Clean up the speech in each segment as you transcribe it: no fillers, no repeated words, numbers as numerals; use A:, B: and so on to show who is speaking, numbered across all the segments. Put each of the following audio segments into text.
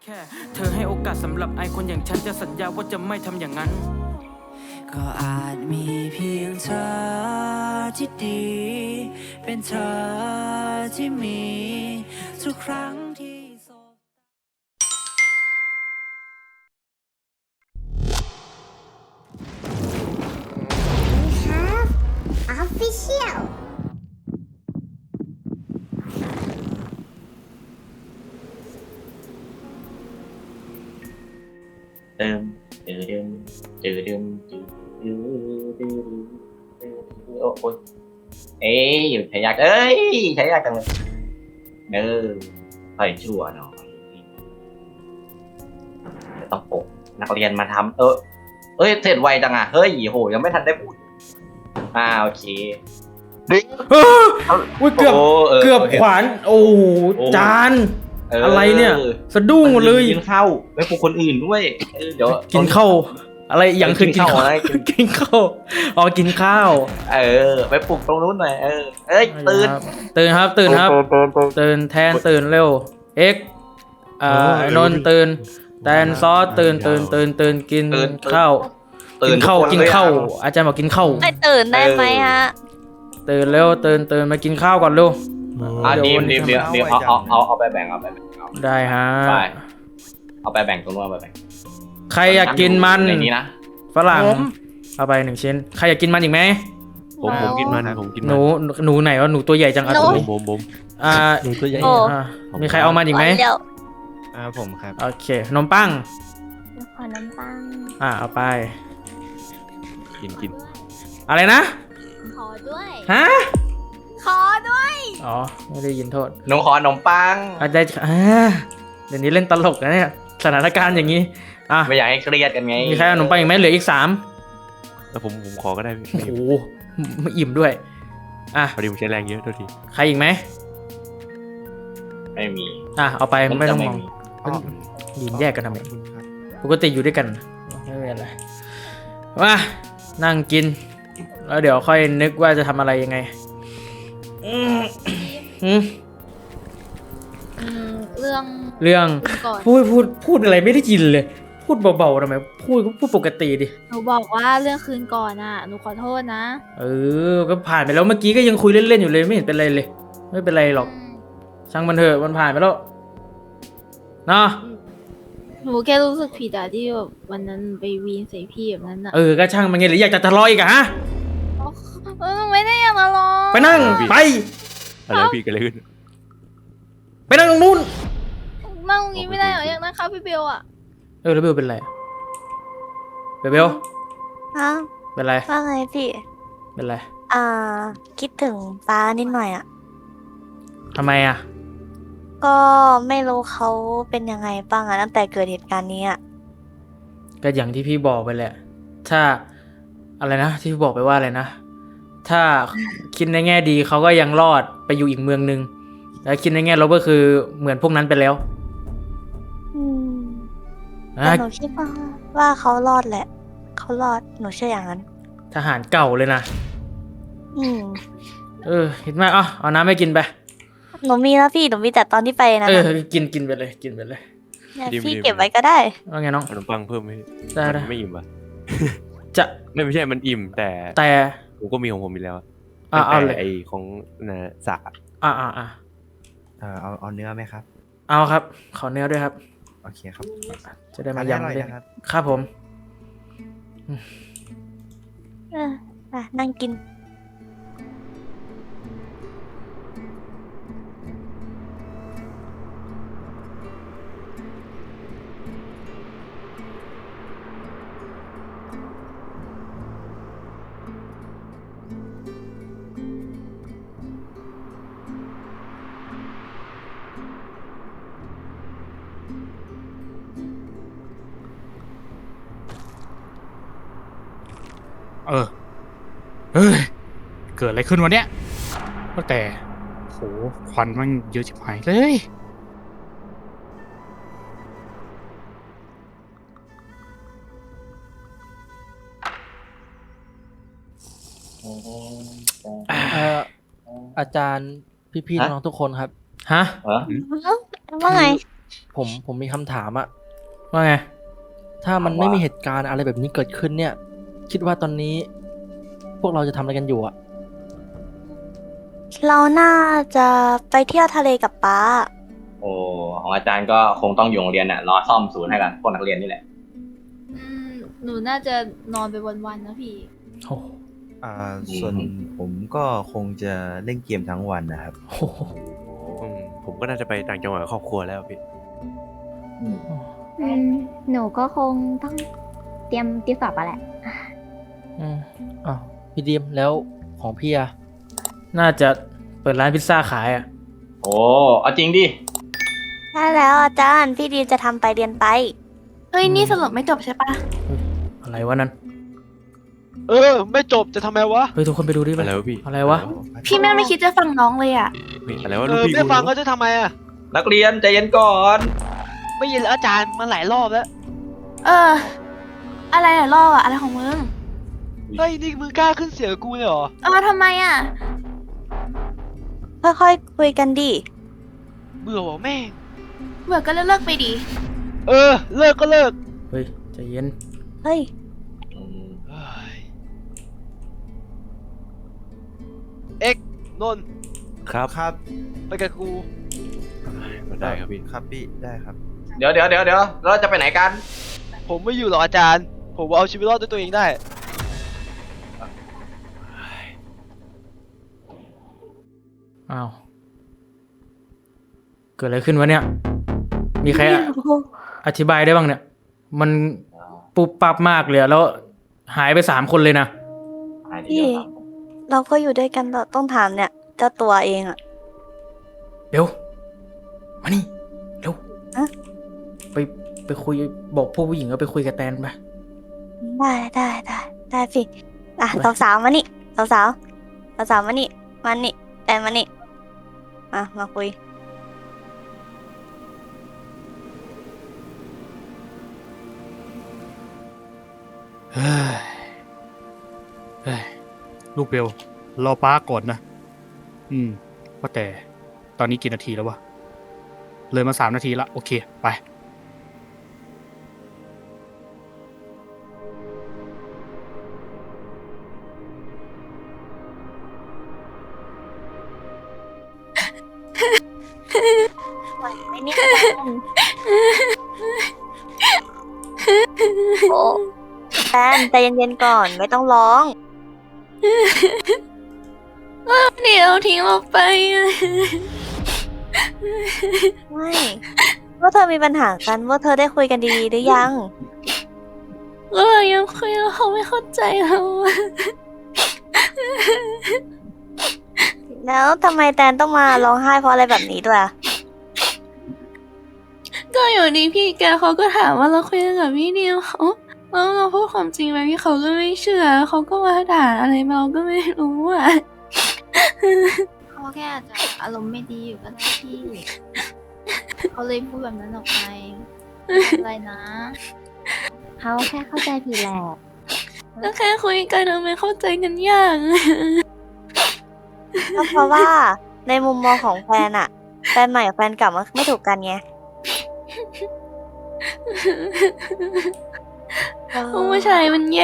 A: แค่เธอให้โอกาสสำหรับไอคนอย่างฉันจะสัญญาว่าจะไม่ทำอย่างนั้นก็อาจมีเพียงเธอที่ดีเป็นเธอที่มีทุกครั้งที่สบ
B: We have official.
C: เติมเติมเติมเติมเติมโอ้ยเอ้ยใช้ยากใช้ยากจังเลยใส่ชั่วหน่อยต้องปลุกนักเรียนมาทำเอ้ยเสร็จไวจังอ่ะเฮ้ยโหยังไม่ทันได้พูดโอเค
A: อุ้ยเกือบขวานโอ้จานอะไรเนี่ยสะดุ้งหมดเลย
C: กินข้าวไม่ปลุกคนอื่นด้วยเดี๋ยว
A: กินข้าวอะไรอย่างคือกินข้าวกินข้าวอ๋อกินข้าว
C: ไปปลุกตรงนู้นหน่อยเอ้ยตื่น
A: ครับตื่นแทนตื่นเร็วเอ็กไอ้นนท์ตื่นแทนซอสตื่นกินข้าวกินข้าวอาจารย์บอกกินข้าว
D: ไม่ตื่นได้ไหมฮะ
A: ตื่นเร็วตื่นมากินข้าวก่อนเร็ว
C: เดี๋ยวเอาไปแบ่ง
A: ได้ฮะ
C: เอาไปแบ่งตรงนู้นเอาไปแบ่ง
A: ใครอยากกินมัน
C: ในนี้นะ
A: ฝรั่งเอาไป1 ชิ้นใครอยากกินมันอีกไหม
E: ผมกินมัน
A: หนูไหนวะหนูตัวใหญ่จัง
E: ผม
A: หนูตัวใหญ่มีใครเอามันอีกไหม
E: ผมครับ
A: โอเคขนมปัง
D: ขอนมปัง
A: เอาไป
E: กิน
A: อะไรนะ
D: ขอด้วย
A: ฮะ
D: ขอด้วย
A: อ๋อไม่ได้ยินโทษ
C: หนูขอขนมปัง
A: ได้เดี๋ยวนี้เล่นตลกนะเนี่ยสถานการณ์อย่างนี้
C: ไม่อยากให้เครียดกันไง
A: มีใครเอาขนมปังอีกไหมเหลืออีก
E: 3แล้วผมขอก็ได้
A: โอ้โหไม่อิ่มด้วย
E: พอดีผมใช้แรงเยอะตัวที
A: ใครอีกไหม
C: ไม่มี
A: เอาไปไม่ต้องมองยืนแยกกันทำไมปกติอยู่ด้วยกันไม่เป็นไรมานั่งกินแล้วเดี๋ยวค่อยนึกว่าจะทำอะไรยังไง
D: เรื่อง
A: พูดอะไรไม่ได้ยินเลยพูดเบาๆทำไมพูดปกติดิ
D: หนูบอกว่าเรื่องคืนก่อนหนูขอโทษนะ
A: ก็ผ่านไปแล้วเมื่อกี้ก็ยังคุยเล่นๆอยู่เลยไม่เห็นเป็นไรเลยไม่เป็นไรหรอกช่างมันเถอะมันผ่านไปแล้วนะ
D: หนูแค่รู้สึกผิดที่แบบวันนั้นไปวีนใส่พี่แบบนั้น
A: ก็ช่างมันไงหรืออยากจะทะเลาะอีกฮะ
D: ไม่ได้อยากทะเลาะ
A: ไปนั่งไป
E: อะไรพี่กันเลยขึ้น
A: ไปนั่งตรงนู้น
D: นั่งตรงนี้ไม่ได้เหรออยากนั่งครับพี่เบล
A: แล้วเบลเป็นไรเบลเป็นไร
B: ว่าไงพี่
A: เป็นไร
B: คิดถึงป้านิดหน่อย
A: ทำไม
B: ก็ไม่รู้เขาเป็นยังไงบ้างตั้งแต่เกิดเหตุการณ์นี้
A: ก็อย่างที่พี่บอกไปแหละถ้าอะไรนะที่พี่บอกไปว่าอะไรนะถ้าคิดในแง่ดีเขาก็ยังรอดไปอยู่อีกเมืองนึงแล้วคิดในแง่ลบก็คือเหมือนพวกนั้นไปแล้ว
B: แต่หนูคิดว่าเขารอดแหละเขารอดหนูเชื่ออย่างนั้น
A: ทหารเก่าเลยนะเห็นไหมเอาน้ำให้กินไป
B: หนูมีแล้วพี่หนูมีแต่ตอนที่ไปนะ
A: กินไปเลย
B: พี่เก็บไว้ก็ได้
A: ว่าไงน้อง
E: ขนมปังเพิ่มไหม
A: ได้
E: ไม่อิ่มป่ะ
A: จะ
E: ไม่ใช่มันอิ่มแต่ผมก็มีของผมอีกแล้ว
A: เอาเลย
E: ไอของสัก
F: เอาเนื้อไหมครับ
A: เอาครับขอเนื้อด้วยครับ
F: โอเคครับ
A: จะได้มายำเลยครับผม
B: นั่งกิน
G: เกิดอะไรขึ้นวะเนี่ยก็แต่โหควันมันเยอะชิบหายเลย
H: อาจารย์พี่ๆน้องทุกคนครับ
A: ฮะ
B: ว่าไง
F: ผมมีคำถามอะ
G: ว่าไง
F: ถ้ามันไม่มีเหตุการณ์อะไรแบบนี้เกิดขึ้นเนี่ย คิดว่าตอนนี้ พวกเราจะทำอะไรกันอยู่อะ
B: เราน่าจะไปเที่ยวทะเลกับป๊า
C: โอ้ของอาจารย์ก็คงต้องอยู่โรงเรียนน่ะรอซ่อมศูนย์ให้กับพวกนักเรียนนี่แหละ
D: หนูน่าจะนอนไปวันๆนะพี่
G: โอ้
H: ส่วนผมก็คงจะเล่นเกมทั้งวันนะครับ
G: โห
E: ผมก็น่าจะไปต่างจังหวัดกับครอบครัวแล้วพี่
I: หนูก็คงต้องเตรียมติวสอบอะแหละ
F: อ้าวพี่ดีมแล้วของพี่อะ
G: น่าจะเปิดร้านพิซซ่าขายอ่ะ
C: โอ้เอาจริงดิ
B: ใช่แล้วอาจารย์ พี่ดีจะทำไปเรียนไป
J: เฮ้ย นี่สรุปไม่จบใช่ปะ
G: อะไรวะนั้น
K: ไม่จบจะทำไมวะ
G: เฮ้ยทุกคนไปดูดิไป
E: อะไรวะพี่
G: อะไรวะ
J: พี่แม่งไม่คิดจะฟังน้องเลยอ่ะ
E: เฮ้ยอะไรวะลูกพี่
K: ไม่ฟังก็จะทำไมอะ
C: นักเรียนใจเย็นก่อน
K: ไม่ยินแล้วอาจารย์มาหลายรอบแล้ว
J: อะไรอะล่ออะอะไรของมึง
K: เฮ้ยนี่มึงกล้าขึ้นเสียงกับกูเลยเหรอ
J: ทำไมอ่ะ
B: ค่อยๆคุยกันดิ
K: เบื่อว่ะแม่ง
J: เบื่อก็เลิกไปดิ
K: เลิกก็เลิก
G: เฮ้ยใจเย็น
B: เฮ้ย
K: เฮ้ยเอ็กนนท์
E: ครับ
H: ครับ
K: ไปกับกู
E: ได้ครับพี่
H: ครับพี่ได้ครับ
C: เดี๋ยวเราจะไปไหนกัน
K: ผมไม่อยู่หรอกอาจารย์ ผมเอาชีวิตรอดด้วยตัวเองได้
G: อ้าว เกิดอะไรขึ้นวะเนี่ย มีใครอธิบายได้บ้างเนี่ย มันปุบปับมากเลยอะแล้วหายไป3 คนเลยนะ
B: พี่ เราก็อยู่ด้วยกันเราต้องถามเนี่ย เจ้าตัวเองอะ
G: เดี๋ยว มานี่ เร็ว
B: อะ
G: ไปคุยบอกพวกผู้หญิงก็ไปคุยกับแตนไป
B: ได้สิอ่ะสาวๆมานี่สาวๆมานี่มานี่แต่มานี่มาคุย
G: เฮ้ย เฮ้ย ลูกเบล รอป้าก่อนนะ ว่าแต่ ตอนนี้กี่นาทีแล้ววะ เลยมา3 นาทีละ โอเค ไป
B: ไหวไหมเนี่ยโอ้แฟนใจเย็นๆก่อนไม่ต้องร้อง
J: เดี๋ยวทิ้งเราไปอะ
B: ไม่ว่าเธอมีปัญหากันว่าเธอได้คุยกันดีๆหรือยัง
J: ก็เรายังคุยแล้วเขาไม่เข้าใจเราอะ
B: แล้วทำไมแตนต้องมาร้องไห้เพราะอะไรแบบนี้ด้วยอะ
J: ก็อยู่ดีพี่แกเขาก็ถามว่าเราคุยกันกับพี่เดียวเขาแล้วเราพูดความจริงไปพี่เขาก็ไม่เชื่อเขาก็มาด่าอะไรเราก็ไม่รู้อ่ะ
D: เขาแค่อาจจะอารมณ์ไม่ดีอยู่ก็ได้พี่ เขาเลยพูดแบบนั้นออกไปไม่เป็นไรนะ
I: เขาแค่เข้าใจผิดแหละ
J: ก็แค่คุยกันทำไมเข้าใจกันยาก
B: ก็เพราะว่าในมุมมองของแฟนอะแฟนใหม่กับแฟนเก่ามันไม่ถูกกันไง
J: ผู้ชายมันแย่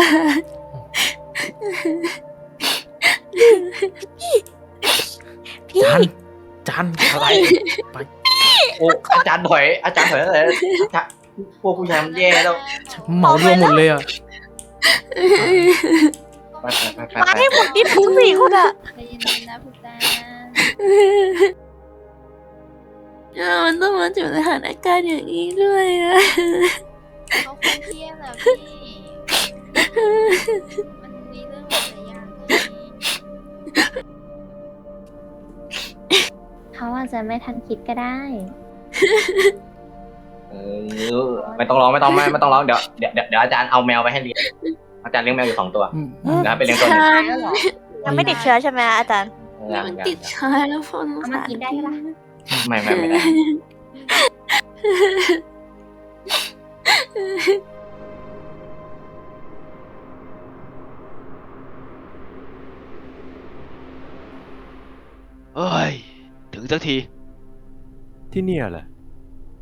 B: พี่
G: จานอะไร ไป
C: โอ้อาจารย์ถอยอะไรอาจารย์พวกผู้ชายมันแย่แล้ว
G: เหมารวมหมดเลยอ่ะ
C: ไป
B: มาให้หมดนี่ทั้ง4 คนอะ
D: ใจเย็นๆนะพุทธา
J: มันต้องมาอยู่ในสถานการณ์อย่างนี้ด้วยอะ
D: เขาคนเที่ยงแหละพี่ มันมีเรื่องหลายอย่างไง
I: เขาอาจจะไม่ทันคิดก็ได้
C: ไม่ต้องร้องเดี๋ยวอาจารย์เอาแมวไปให้เลี้ยงอาจารย์เลี้ยงแมวอยู่2 ตัวนะไปเลี้ยงตัวหนึง
B: ยังไม่ติดเชื้อใช่ไหมอาจารย์
J: มันติดชายแล้วฝน
I: เอามากินได้ปะ
C: ไม่ได้
K: เอ้ย ถึงสักที
E: ที่เนี่ยแหละ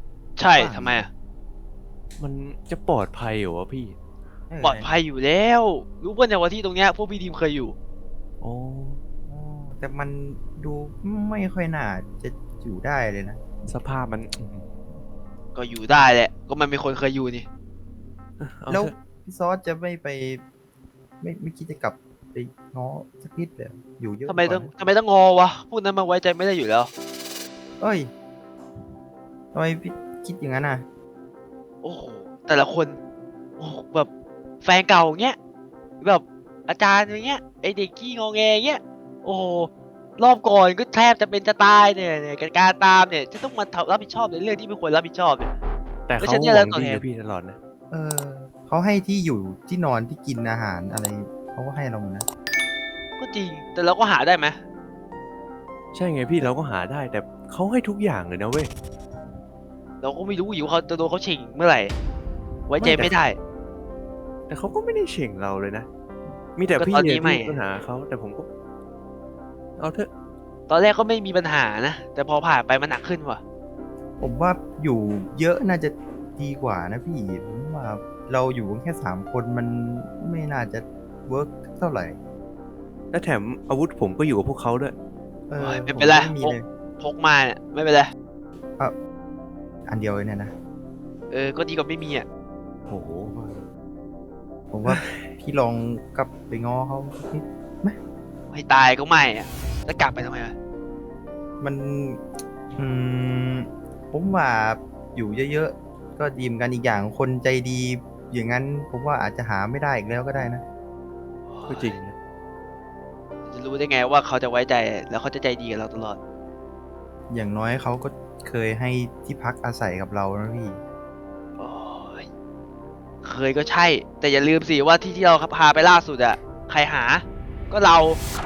K: ใช่ทำไมอะ
E: มันจะปลอดภัยเหรอวะพี่
K: ปลอดภัยอยู่แล้ว รู้ป่ะเนี่ยว่าที่ตรงเนี้ยพวกพี่ทีมเคยอยู่
E: อ๋อ
H: แต่มันดูไม่ค่อยน่าจะอยู่ได้เลยนะ
E: สภาพมัน
K: ก็อยู่ได้แหละ ก็มันมีคนเคยอยู่นี่
E: เอา
H: แล้ว
E: เถอะ
H: พี่ซอสจะไม่ไป ไม่คิดจะกลับไปง้อสักนิดเลยอยู่เยอะ
K: ทำไมต้อง
H: กว่านะ
K: ทำไมต้องงอวะพวกนั้นมันไว้ใจไม่ได้อยู่แล้ว
H: เอ้ยทำไมพี่คิดอย่างนั้นอ่ะ
K: โอ้โหแต่ละคนโอ้โหแบบแฟนเก่าเงี้ยแบบอาจารย์อย่างเงี้ยไอเด็กขี้งอแงเงี้ยโอ้โหรอบก่อนก็แทบจะเป็นจะตายเนี่ยการตามเนี่ยจะต้องมารับผิดชอบในเรื่องที่ไม่ควรรับผิดชอบเนี่ย
E: แต่
K: ไม่
E: เขา
K: ใช่เนี่ย
E: ห
K: แล้
E: วั
K: ว
E: ง
K: ตอน
E: ดี
K: เนี้ย
E: กับพี่ตลอดนะ
H: เออเขาให้ที่อยู่ที่นอนที่กินอาหารอะไรเขาก็ให้เราหมดนะ
K: ก็จริงแต่เราก็หาได้ไหม
E: ใช่ไงพี่เราก็หาได้ แต่เขาให้ทุกอย่างเลยนะเว้ย
K: เราก็ไม่รู้อยู่เขาจะโดนเขาฉิงเมื่อไหร่ไว้ใจไม่ได้
E: แต่เขาก็ไม่ได้เฉ่งเราเลยนะ มีแต่
K: ก็
E: พี่
K: ตอนนี้
E: เนี่ย
K: ไม่
E: ที่มีปัญหาเขาแต่ผมก็ เอาเถอะ
K: ตอนแรกก็ไม่มีปัญหานะแต่พอผ่านไปมันหนักขึ้นว่ะ
H: ผมว่าอยู่เยอะน่าจะดีกว่านะพี่ผมว่าเราอยู่กันแค่3 คนมันไม่น่าจะเวิร์กเท่าไหร่
E: และแถมอาวุธผมก็อยู่กับพวกเขาด้วย
H: เออ
K: ไม่เป็นไร
H: ผไม่มีเลย
K: พกมาเนี่ยไม่เป็นไร
H: อันเดียวเลยเนี่ยนะ
K: ก็ดีกว่าไม่มีอ่ะ
E: โอ้โห
H: ผมว่า พี่ลองกลับไปง้อเขาสักนิด
K: ให้ตายก็ไม่อ่ะแล้วกลับไปทำไมวะ
H: มันอืมผมว่าอยู่เยอะๆก็ดีเหมือนกันอีกอย่างคนใจดีอย่างนั้นผมว่าอาจจะหาไม่ได้อีกแล้วก็ได้นะ
E: ก็จริงนะ
K: จะรู้ได้ไงว่าเขาจะไว้ใจแล้วเขาจะใจดีกับเราตลอด
H: อย่างน้อยเขาก็เคยให้ที่พักอาศัยกับเรานะพี่
K: โอ้ยเคยก็ใช่ แต่อย่าลืมสิว่าที่เราพาไปล่าสุดอะใครหา ก็เรา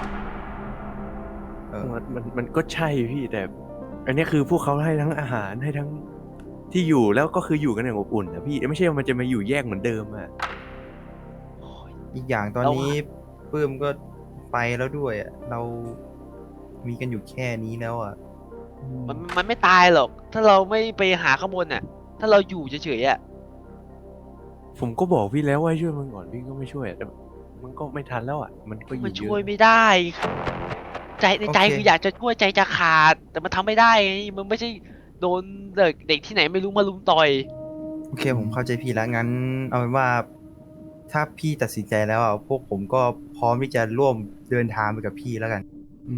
H: เออ
E: มันก็ใช่พี่แต่ อันนี้คือพวกเขาให้ทั้งอาหารให้ทั้งที่อยู่แล้วก็คืออยู่กันอย่างอบอุ่นนะพี่ไม่ใช่ว่ามันจะมาอยู่แยกเหมือนเดิมอะ
H: อีกอย่างตอน
K: เรา
H: นี้ปื้มก็ไปแล้วด้วยอะเรามีกันอยู่แค่นี้แล้วอ่ะ
K: มันไม่ตายหรอก ถ้าเราไม่ไปหาข้างบนอะถ้าเราอยู่เฉยๆอะ
E: ผมก็บอกพี่แล้วว่าให้ช่วยมันก่อนพี่ก็ไม่ช่วยแต่มันก็ไม่ทันแล้วอ่ะมันก็อ
K: มัน
E: ยู่เย
K: ช่วย
E: อะ
K: ไม่ได้ ใจในใจ
H: โอเค
K: คืออยากจะช่วยใจจะขาด แต่มันทำไม่ได้ไงมันไม่ใช่โดนเด็กที่ไหนไม่รู้มาลุมต่อย
H: โอเคผมเข้าใจพี่แล้วงั้น เอาเป็นว่า ถ้าพี่ตัดสินใจแล้วอ่ะพวกผมก็พร้อมที่จะร่วมเดินทางไปกับพี่แล้วกัน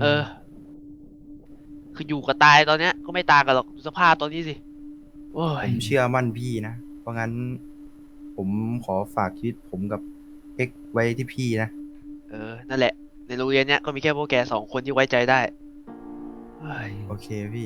K: คืออยู่กับตายตอนเนี้ยก็ไม่ต่างกันหรอกดูสภาพตอนนี้สิ โอ้
H: ผ
K: ย
H: มเชื่อมั่นพี่นะ เพราะงั้น ผมขอฝากชีวิตผมกับเอ็กไว้ที่พี่นะ
K: นั่นแหละ ในโรงเรียนเนี้ยก็มีแค่พวกแก2 คนที่ไว้ใจได้เฮ้ย
H: โอเคพี่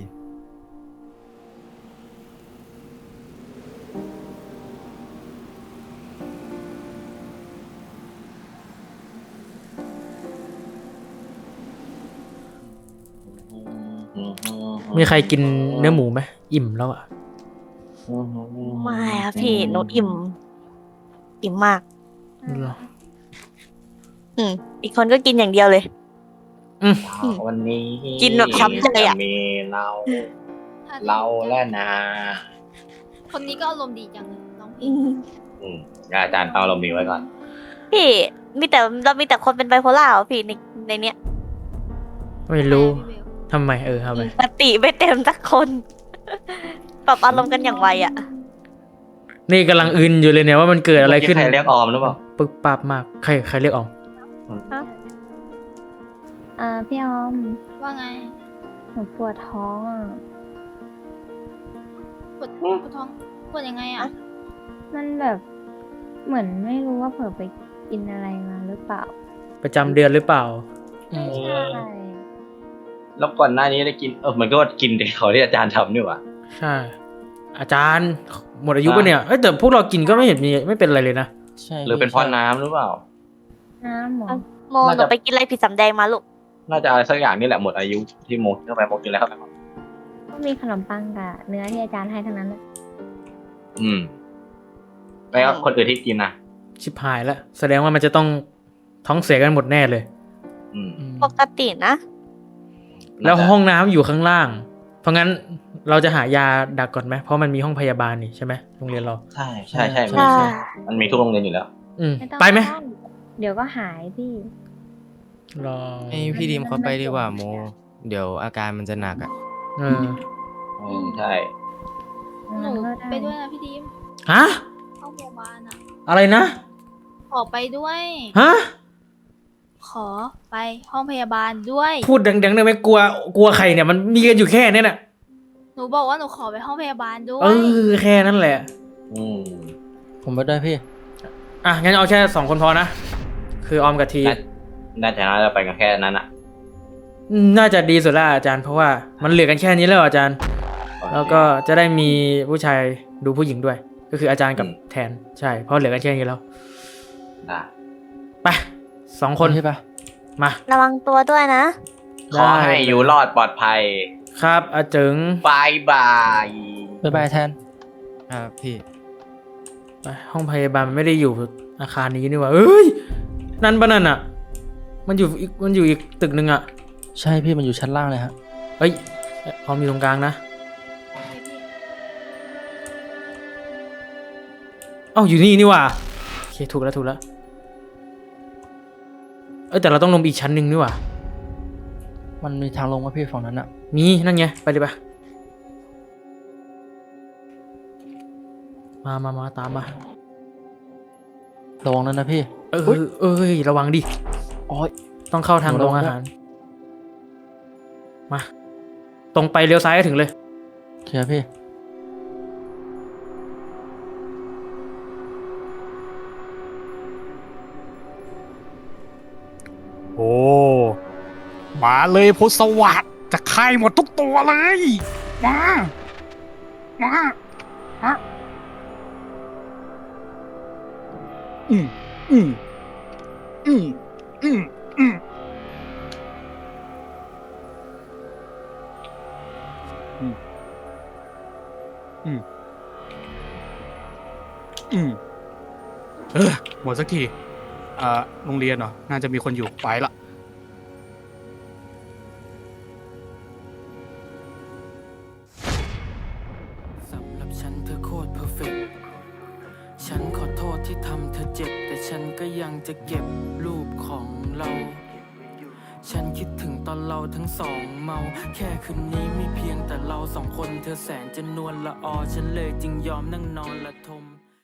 F: มีใครกินเนื้อหมูไหมอิ่มแล้วอ่ะ
B: ไม่อะพี่หนูอิ่มมาก อีกคนก็กินอย่างเดียวเลย
C: วันนี้
B: กินแบบช้ำใจอะ
C: จะมีเรา
D: ถ้า
C: เราและนา
D: คนนี้ก็อารมณ์ดีจังเลยน้อง
B: อื
D: พี่
B: ม
C: งั้นอาจารย์เต้าเรามีไว้ก่อน
B: พี่เรามีแต่คนเป็นไบโพล่าเหรอพี่ในเนี้ย
F: ไม่รู้
D: พี่เบล
F: ทำไมทำไม
B: สติไม่เต็มสักคน ปรับอารมณ์กันอย่างไวอะ
F: นี่กำลังอึนอยู่เลยเนี่ยว่ามันเกิดอะไรขึ้น
C: ใครเรียกออมหรือเปล่า
F: ปึ๊บปั๊บมากใครเรียกออม
I: พี่ออม
D: ว่าไง
I: หนูปวดท้องอ่ะ
D: ปวดท้องปวดยังไงอะ
I: มันแบบเหมือนไม่รู้ว่าเผลอไปกินอะไรมาหรือเปล่า
F: ประจำเดือนหรือเปล่า
I: ไม่ใช่
C: แล้วก่อนหน้านี้ได้กินมันก็กินเด็กเขาที่อาจารย์ทำนี่หว่า
F: ใช่ อาจารย์หมดอายุปะเนี่ยแต่พวกเรากินก็ไม่เห็นมีไม่เป็นอะไรเลยนะ
H: ใช่
C: หรือเป็นเพราะน้ำหรือเปล่า
I: น้ำหมอ
B: โมหนูไปกินอะไรผิดสำแดงมาลูก
C: น่าจะอะไรสักอย่างนี่แหละหมดอายุที่โมกินเข้าไปโมกินแล้วเข้าไปก่อน
I: ก็มีขนมปังกับเนื้อที่อาจารย์ให้ทั้งนั้นเลย
C: แล้วคนอื่นที่กินนะ
F: ชิบหายแล้วแสดงว่ามันจะต้องท้องเสียกันหมดแน่เลย
C: อืม
B: ปกตินะ
F: แล้วห้องน้ำอยู่ข้างล่าง
L: เพราะงั้นเราจะหายาดักก่อนไหมเพราะมันมีห้องพยาบาลนี่ใช่ไหมโรงเรียนเรา
C: ใช่ใช่ใช่
B: ใช่
C: มันมีทุกโรงเรียนอยู่แล้ว
I: ไม่ต้อง
L: ไปไหม
I: เดี๋ยวก็หายพี่
L: รอ
M: ให้พี่ดิมเขาไปดีกว่าโม เดี๋ยวอาการมันจะหนักอ่ะ
L: เออ
C: ใช่
D: หนูไปด้วยนะพี่ดิม
L: ฮะ
D: ห้องพยาบาลอะ
L: อะไรนะ
D: ขอไปด้วย
L: ฮะ
D: ขอไปห้องพยาบาลด้วย
L: พูดดังๆได้ไหมกลัวใครเนี่ยมันมีกันอยู่แค่เนี้ยน่ะ
D: หนูบอกว่าหนูขอไปห้องพยาบาลด้ว
L: เอย อแค่นั้นแหละ
F: ผมไปด้วยพี่
L: อ่ะงั้นเอาแค่2 คนพอนะคือออมกับที
C: น่าจะไปกันแค่นั้นอ่ะ
L: น่าจะดีสุดละอาจารย์เพราะว่ามันเหลือกันแค่นี้แล้วอาจารย์ แล้วก็จะได้มีผู้ชายดูผู้หญิงด้วย ก็คืออาจารย์กับแทนใช่เพราะเหลือกันแค่นี้แล้ว
C: ได้
L: ไป2 คน
F: ใช่ปะ
L: มา
B: ระวังตัวด้วยนะ
C: ขอให้อยู่รอดปลอดภัย
L: ครับอาเจิง
C: บายบาย
F: บ๊ายบายแทน
M: พี่
L: ไปห้องพยาบาลมันไม่ได้อยู่อาคารนี้นี่หว่าเอ้ยนั่นปะนั่นอ่ะมันอยู่อีกตึกหนึ่งอ่ะ
F: ใช่พี่มันอยู่ชั้นล่างเลยฮะ
L: เฮ้ยออมอยู่ตรงกลางนะเอ้าอยู่นี่หว่าโอเคถูกแล้วแต่เราต้องลงไปอีกชั้นหนึ่งนี่หว่า
F: มันมีทางลงว่าพี่ฝั่งนั้นอะ
L: มีนั่นไงไปเลยปะมาตามมา
F: ระวังนั้นนะพี่
L: ระวังดิ
F: โอ้ย
L: ต้องเข้าทางโรงอาหารมาตรงไปเลี้ยวซ้ายก็ถึงเลย
F: เคลียร์พี่
G: โอ้มาเลยพุทธสวัสดิ์จะฆ่าหมดทุกตัวเลย มาอืมอืมอืมอืมอืมอืมอืมอืมหมดสักทีโรงเรียนเหรอ น่าจะมีคนอยู่ไปละ
A: สำหรับฉันเธอโคตรเพอร์เฟกต์ฉันขอโทษที่ทำเธอเจ็บ แต่ฉันก็ยังจะเก็บรูปของเรา ฉันคิดถึงตอนเราทั้งสองเมา แค่คืนนี้มีเพียงแต่เรา2 คนเธอแสนจะนวลละออฉันเลยจึงยอมนั่งนอนละทม